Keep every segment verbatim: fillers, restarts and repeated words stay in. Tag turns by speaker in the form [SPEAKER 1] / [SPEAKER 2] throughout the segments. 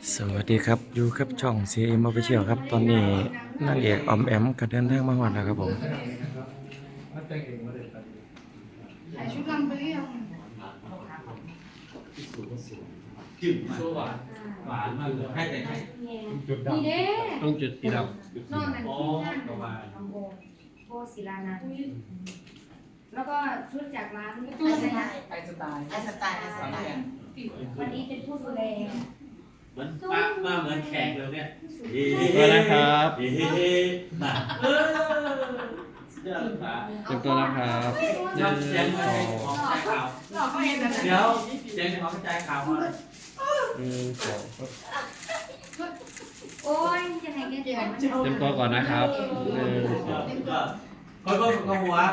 [SPEAKER 1] สวัสดีครับอยู่กับช่อง ซี เอ็ม Official ครับตอนนี้นางเอกออมแอมก็เดินทางมาฮอดแล้วครับผม
[SPEAKER 2] ถ่ายชุดลำไปหรือยัง
[SPEAKER 3] จืดมาหวานหวานมากเลยให้แต่ให้
[SPEAKER 2] นี่เด้
[SPEAKER 4] ต้องจุดสีด
[SPEAKER 2] นอนนั่น
[SPEAKER 3] อ๋อ
[SPEAKER 2] ที่นั่น
[SPEAKER 3] ประมาณ
[SPEAKER 5] น้องโบโบศิลานันท์แล้วก็ชุดจากร้าน
[SPEAKER 2] ตู้
[SPEAKER 5] ไอ
[SPEAKER 2] ส
[SPEAKER 5] ส
[SPEAKER 2] ไต
[SPEAKER 5] ไต
[SPEAKER 2] ล์
[SPEAKER 5] ล์
[SPEAKER 2] ไอสไตล์
[SPEAKER 5] ไอสไตล์ไอสไตล์วันนี้เป็นผู้ดูแล
[SPEAKER 3] เหมือนมามาเหมือนแขกเลยเนี่ย
[SPEAKER 4] ำตัวนะครับ
[SPEAKER 3] เฮ้เฮ้มาเออเดี๋ยวขา
[SPEAKER 4] เตรียมตัวนะครับหนึ่ง
[SPEAKER 3] เสียง
[SPEAKER 4] ส
[SPEAKER 3] ข
[SPEAKER 4] อ
[SPEAKER 3] อง
[SPEAKER 4] ง
[SPEAKER 3] ใจขาว
[SPEAKER 2] หลอกเขาเองนะ
[SPEAKER 3] เดี๋ยวเสียงของใจขาวมา
[SPEAKER 4] หนึ่งสอง
[SPEAKER 5] โอ้ยยังไงแกเดี๋ยวมัน
[SPEAKER 4] เตรียมตัวก่อนนะครับหนึ่งสอง
[SPEAKER 3] ก็ค่อยๆกับหัว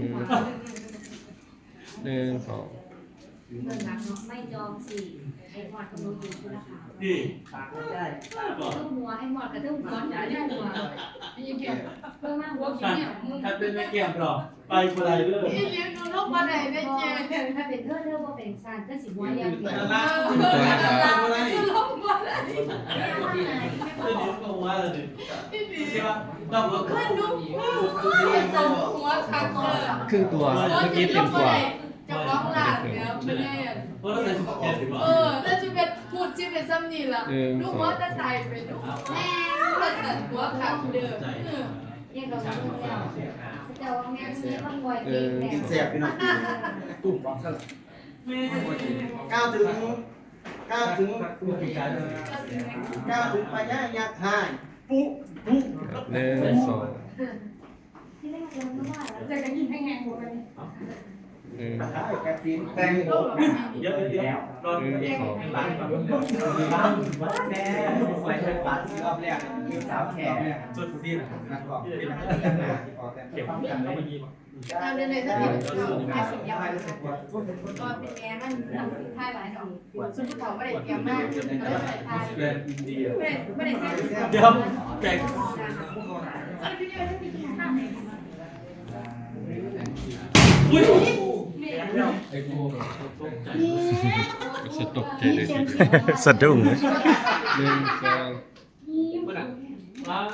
[SPEAKER 4] หนึ่งสอง
[SPEAKER 5] เงินรักเนาะไม่จองสี่ไอ้หมอดกับหนูอยู่ชุดละค่ะ
[SPEAKER 3] นี่
[SPEAKER 5] ตุ้มหัวไอ้หมอดกับตุ้มก้อนใหญ่ได้หัว
[SPEAKER 2] พี่ยังเก็บ
[SPEAKER 5] เพิ่มมากหัว
[SPEAKER 2] หัว
[SPEAKER 5] คิ้
[SPEAKER 2] คิ้
[SPEAKER 5] ว
[SPEAKER 2] ว
[SPEAKER 5] เนี่
[SPEAKER 2] เนี่ย ยมึง
[SPEAKER 3] ถ้าเป็นไม่เกี่ยมหรอกไปคนไรเลย
[SPEAKER 2] พี่เลี้ยงดูลูกมาไหนได้เจ๊
[SPEAKER 5] ถ้าเป็นเธอเธอว่าเป็นซานก็สิหัวเรียงเดียว
[SPEAKER 3] นะ
[SPEAKER 4] เตรียมตัวนะครับ
[SPEAKER 2] คือลูกมาไหน
[SPEAKER 3] เดี๋ยวก็ว่าเลยใช่ป่ะเราก็
[SPEAKER 2] ขึ้นลูกตรงหัวขาเกิด
[SPEAKER 4] ครึ่งตัวเมื่อกี้เต็มตัว
[SPEAKER 2] จะร้องหลานเนี่ยเป็นไงอ่ะ
[SPEAKER 3] เพราะเราใส่ชุดแขกดีกว่า
[SPEAKER 2] เออแล้วจะเป็นพูดชื่อเป็นซ้ำนี่ละลูกว่าจะตายไปลูกแม่เราจะหัวขาเดิม
[SPEAKER 5] เรียกเราลูกแล้วเจ้าแม่มีต้องบ่อยเก่งแน่
[SPEAKER 6] กินแซ่บพี่น้องตุ่มบอกซะละก้าวถึงก้าวถึงก้าวถึงปัญญาอยากหายปุ๊ปุ๊
[SPEAKER 4] หนึ่งสอง
[SPEAKER 5] ที่แรกเราไม่ว่าแล้ว
[SPEAKER 2] จะกันยินให้แหงหัวกัน
[SPEAKER 4] หนึ่ง
[SPEAKER 6] ได้กระสินแตงโม
[SPEAKER 3] เยอะเยอะรอน
[SPEAKER 4] หนึ่งสอง
[SPEAKER 3] หลังแบบ
[SPEAKER 6] บ้านวัดแน่ใส่เป็นปาที่รอบแรกมีสาวแขก
[SPEAKER 3] สุดที่
[SPEAKER 6] นักบอกเป็นนักกันนะออกแต่
[SPEAKER 3] เก็บ
[SPEAKER 6] ฟัง
[SPEAKER 3] กั
[SPEAKER 6] กัน น
[SPEAKER 3] แล้ว
[SPEAKER 6] ได้
[SPEAKER 3] มันมี
[SPEAKER 2] ตามเลยถ้าเป็นแม่สิบยาว
[SPEAKER 5] ก็เป็นแม่มันทำสิ่งท้ายหลายดอก
[SPEAKER 2] ซึ่งผู้เฒ่าไม่ได้เตรียมมากไม่ได้ใส่ทาย
[SPEAKER 3] เป็นอินเดีย
[SPEAKER 2] ไม่ได้ไม่ได้เตรียม
[SPEAKER 3] เดี๋ยวแจก
[SPEAKER 2] อันนี้ไม่ได้ที่ข้างไหน
[SPEAKER 3] อุ้ย
[SPEAKER 4] สตกใจเลยทีเดียว
[SPEAKER 1] สะดุ้งเลย
[SPEAKER 4] หนึ่งสอง
[SPEAKER 3] ว้า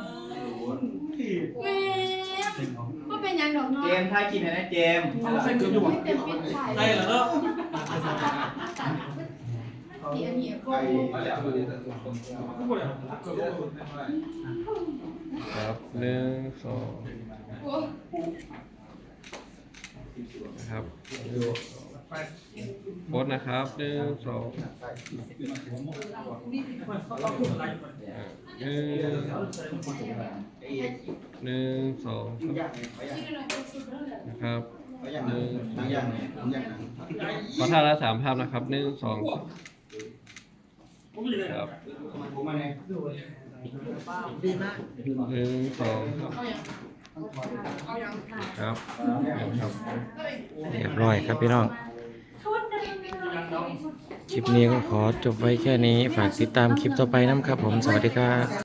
[SPEAKER 2] แม่ก็เป็นยังดอกเนาะ
[SPEAKER 6] เจมส์ทายกินนะเจมส์
[SPEAKER 3] ใส่เกลืออยู่
[SPEAKER 2] เต็มปิดฉาย
[SPEAKER 3] ใส่แล้วเนาะ
[SPEAKER 2] ที่อันนี้ก็
[SPEAKER 4] ครับหนึ่งสองนะครับโพสนะครับหนึ่งสองหนึ่งหนึ่งสองนะครับหนึ่ง
[SPEAKER 6] บางอย่างบางอย่าง
[SPEAKER 4] ขอท่าละสามภาพนะครับหนึ่งสองครับ
[SPEAKER 6] ผมมาเนี่ย
[SPEAKER 4] หนึ่งสองครับครับ
[SPEAKER 1] เรียบร้อยครับพี่น้อง คลิปนี้ก็ขอจบไว้แค่นี้ฝากติดตามคลิปต่อไปน้ำครับผมสวัสดีครับ